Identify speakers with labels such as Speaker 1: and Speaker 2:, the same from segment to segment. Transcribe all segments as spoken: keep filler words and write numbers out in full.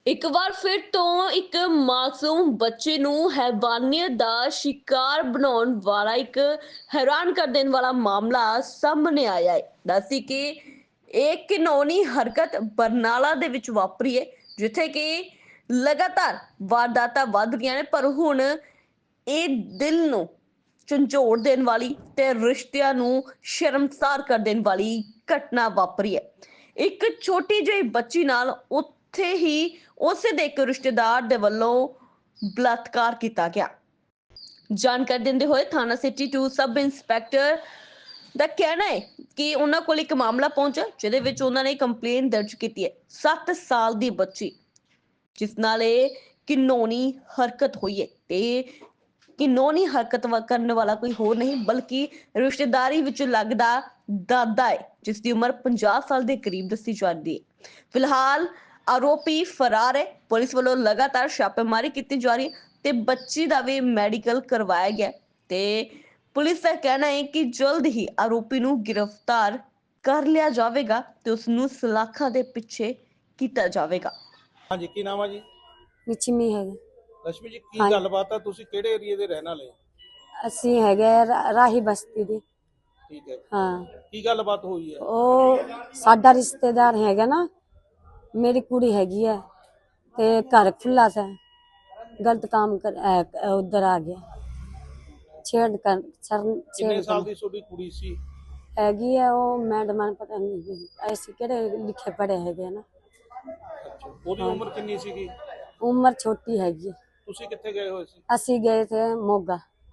Speaker 1: ਇੱਕ ਵਾਰ ਫਿਰ ਤੋਂ ਇੱਕ ਮਾਸੂਮ ਬੱਚੇ ਨੂੰ ਹੈਵਾਨੀਅਤ ਦਾ ਸ਼ਿਕਾਰ ਬਣਾਉਣ ਵਾਲਾ ਇੱਕ ਹੈਰਾਨ ਕਰ ਦੇਣ ਵਾਲਾ ਮਾਮਲਾ ਸਾਹਮਣੇ ਆਇਆ ਹੈ। ਦੱਸੀ ਕਿ ਇਹ ਘਿਨੌਣੀ ਹਰਕਤ ਬਰਨਾਲਾ ਦੇ ਵਿੱਚ ਵਾਪਰੀ ਹੈ, ਜਿੱਥੇ ਕਿ ਲਗਾਤਾਰ ਵਾਰਦਾਤਾਂ ਵੱਧ ਰਹੀਆਂ ਨੇ, ਪਰ ਹੁਣ ਇਹ ਦਿਲ ਨੂੰ ਝੰਜੋੜ ਦੇਣ ਵਾਲੀ ਤੇ ਰਿਸ਼ਤਿਆਂ ਨੂੰ ਸ਼ਰਮਸਾਰ ਕਰ ਦੇਣ ਵਾਲੀ ਘਟਨਾ ਵਾਪਰੀ ਹੈ। ਇੱਕ ਛੋਟੀ ਜਿਹੀ ਬੱਚੀ ਨਾਲ ਉੱਥੇ ਹੀ ਉਸੇ ਦੇ ਇੱਕ ਰਿਸ਼ਤੇਦਾਰ ਦੇ ਵੱਲੋਂ ਬਲਾਤਕਾਰ ਕੀਤਾ ਗਿਆ। ਜਾਣਕਾਰੀ ਦਿੰਦੇ ਹੋਏ ਥਾਣਾ ਸਿਟੀ ਟੂ ਸਬ ਇੰਸਪੈਕਟਰ ਦਾ ਕਹਿਣਾ ਹੈ ਕਿ ਉਹਨਾਂ ਕੋਲ ਇੱਕ ਮਾਮਲਾ ਪਹੁੰਚਾ, ਜਿਹਦੇ ਵਿੱਚ ਉਹਨਾਂ ਨੇ ਕੰਪਲੇਂਟ ਦਰਜ ਕੀਤੀ ਹੈ। ਸੱਤ ਸਾਲ ਦੀ ਬੱਚੀ ਜਿਸ ਨਾਲ ਇਹ ਘਿਨੌਣੀ ਹਰਕਤ ਹੋਈ ਹੈ, ਤੇ ਘਿਨੌਣੀ ਹਰਕਤ ਕਰਨ ਵਾਲਾ ਕੋਈ ਹੋਰ ਨਹੀਂ ਬਲਕਿ ਰਿਸ਼ਤੇਦਾਰੀ ਵਿੱਚ ਲੱਗਦਾ ਦਾਦਾ ਹੈ, ਜਿਸ ਦੀ ਉਮਰ ਪੰਜਾਹ ਸਾਲ ਦੇ ਕਰੀਬ ਦੱਸੀ ਜਾਂਦੀ ਹੈ। ਫਿਲਹਾਲ ਆਰੋਪੀ ਫਰਾਰ ਹੈ। ਪੁਲਿਸ ਵੱਲੋਂ ਲਗਾਤਾਰ ਛਾਪੇਮਾਰੀ ਕੀਤੀ ਜਾ ਰਹੀ ਹੈ ਤੇ ਬੱਚੀ ਦਾ ਵੀ ਮੈਡੀਕਲ ਕਰਵਾਇਆ ਗਿਆ ਤੇ ਪੁਲਿਸ ਦਾ ਕਹਿਣਾ ਹੈ ਕਿ ਜਲਦ ਹੀ ਆਰੋਪੀ ਨੂੰ ਗ੍ਰਿਫਤਾਰ ਕਰ ਲਿਆ ਜਾਵੇਗਾ ਤੇ ਉਸ ਨੂੰ ਸਲਾਖਾਂ ਦੇ ਪਿੱਛੇ ਕੀਤਾ ਜਾਵੇਗਾ।
Speaker 2: ਹਾਂਜੀ, ਕੀ ਨਾਮ ਆ ਜੀ?
Speaker 3: ਲక్ష్ਮੀ ਹੈ।
Speaker 2: ਲక్ష్ਮੀ ਜੀ, ਕੀ ਗੱਲਬਾਤ ਆ? ਤੁਸੀਂ ਕਿਹੜੇ ਏਰੀਆ ਦੇ ਰਹਿਣ ਵਾਲੇ?
Speaker 3: ਅਸੀਂ ਹੈਗੇ ਰਾ- ਰਾਹੀ ਬਸਤੀ ਦੇ।
Speaker 2: ਠੀਕ ਹੈ,
Speaker 3: ਹਾਂ,
Speaker 2: ਕੀ ਗੱਲਬਾਤ ਹੋਈ ਹੈ?
Speaker 3: ਉਹ ਸਾਡਾ ਰਿਸ਼ਤੇਦਾਰ ਹੈਗਾ ਨਾ, ਮੇਰੀ ਕੁੜੀ ਹੈਗੀ ਹੈ ਤੇ ਘਰ ਖੁੱਲਾ ਸੀ, ਗਲਤ ਕੰਮ ਕਰ ਉਧਰ ਆ ਗਿਆ, ਛੇੜ ਕਰ ਸਰ
Speaker 2: ਕਿੰਨੇ
Speaker 3: ਛੇੜ
Speaker 2: ਸਾਲ
Speaker 3: ਕਰ
Speaker 2: ਦੀ ਤੁਹਾਡੀ ਕੁੜੀ ਸੀ?
Speaker 3: ਹੈਗੀ ਹੈ। ਉਹ ਮੈਡਮ ਪਤਾ ਨਹੀਂ ਐਸੇ ਕਿਹੜੇ ਲਿਖੇ ਪੜੇ ਹੈਗੇ ਨਾ।
Speaker 2: ਅੱਛਾ, ਉਹਦੀ ਉਮਰ ਕਿੰਨੀ ਸੀਗੀ?
Speaker 3: ਉਮਰ ਛੋਟੀ ਹੈਗੀ।
Speaker 2: ਤੁਸੀਂ ਕਿੱਥੇ ਗਏ ਹੋਏ ਸੀ?
Speaker 3: ਅਸੀਂ ਗਏ थे मोगा।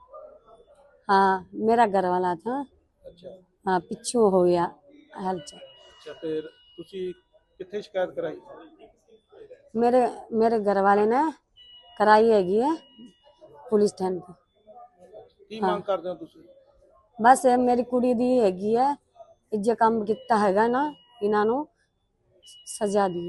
Speaker 3: हाँ, मेरा घर वाला था।
Speaker 2: ਅੱਛਾ
Speaker 3: हाँ, पिछू हो गया हलचल।
Speaker 2: ਅੱਛਾ, ਫਿਰ ਤੁਸੀਂ ਕਿੱਥੇ ਸ਼ਿਕਾਇਤ ਕਰਾਈ?
Speaker 3: मेरे मेरे घर वाले ने कराई हैगी है पुलिस स्टैंड पे।
Speaker 2: ਕੀ
Speaker 3: ਹਾਂ।
Speaker 2: ਮੰਗ ਕਰਦੇ ਹੋ ਤੁਸੀਂ?
Speaker 3: बस ये मेरी कुड़ी दी हैगी है, जे काम किता हैगा ना, इन्हां नू सजा दी।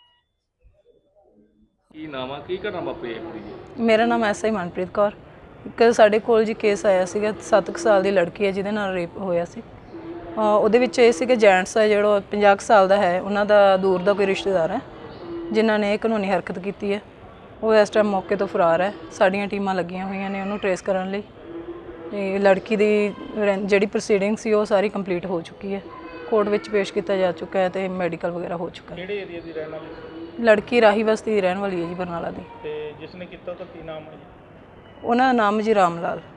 Speaker 4: ਕੀ ਨਾਮ ਆ? ਕੀ ਘਟਨਾ ਵਾਪਰੀ ਹੈ ਕੁੜੀ ਦੀ?
Speaker 5: ਮੇਰਾ ਨਾਮ ਐਸਆਈ ਮਨਪ੍ਰੀਤ ਕੌਰ। ਇੱਕ ਸਾਡੇ ਕੋਲ ਜੀ ਕੇਸ ਆਇਆ ਸੀਗਾ, ਸੱਤ ਕੁ ਸਾਲ ਦੀ ਲੜਕੀ ਹੈ ਜਿਹਦੇ ਨਾਲ ਰੇਪ ਹੋਇਆ ਸੀ। ਅਹ ਉਹਦੇ ਵਿੱਚ ਇਹ ਸੀ ਕਿ ਜੈਂਟਸ ਹੈ ਜਿਹੜਾ ਪੰਜਾਹ ਕੁ ਸਾਲ ਦਾ ਹੈ, ਉਹਨਾਂ ਦਾ ਦੂਰ ਦਾ ਕੋਈ ਰਿਸ਼ਤੇਦਾਰ ਹੈ ਜਿਨ੍ਹਾਂ ਨੇ ਇਹ ਕਾਨੂੰਨੀ ਹਰਕਤ ਕੀਤੀ ਹੈ। ਉਹ ਇਸ ਟਾਈਮ ਮੌਕੇ ਤੋਂ ਫਰਾਰ ਹੈ। ਸਾਡੀਆਂ ਟੀਮਾਂ ਲੱਗੀਆਂ ਹੋਈਆਂ ਨੇ ਉਹਨੂੰ ਟਰੇਸ ਕਰਨ ਲਈ। ਤੇ ਲੜਕੀ ਦੀ ਰਹਿ- ਜਿਹੜੀ ਪ੍ਰੋਸੀਡਿੰਗ ਸੀ ਉਹ ਸਾਰੀ ਕੰਪਲੀਟ ਹੋ ਚੁੱਕੀ ਹੈ, ਕੋਰਟ ਵਿੱਚ ਪੇਸ਼ ਕੀਤਾ ਜਾ ਚੁੱਕਾ ਹੈ ਤੇ ਮੈਡੀਕਲ ਵਗੈਰਾ ਹੋ ਚੁੱਕਾ ਹੈ।
Speaker 2: ਕਿਹੜੇ ਏਰੀਆ ਦੀ ਰਹਿਣ ਵਾਲੀ?
Speaker 5: ਲੜਕੀ ਰਾਹੀ ਬਸਤੀ ਦੀ ਰਹਿਣ ਵਾਲੀ ਹੈ ਜੀ, ਬਰਨਾਲਾ ਦੀ।
Speaker 2: ਤੇ ਜਿਸ ਨੇ ਕੀਤਾ ਉਹਦਾ ਕੀ ਨਾਮ ਹੈ ਜੀ?
Speaker 5: ਉਹਨਾਂ ਦਾ ਨਾਮ ਜੀ ਰਾਮ ਲਾਲ।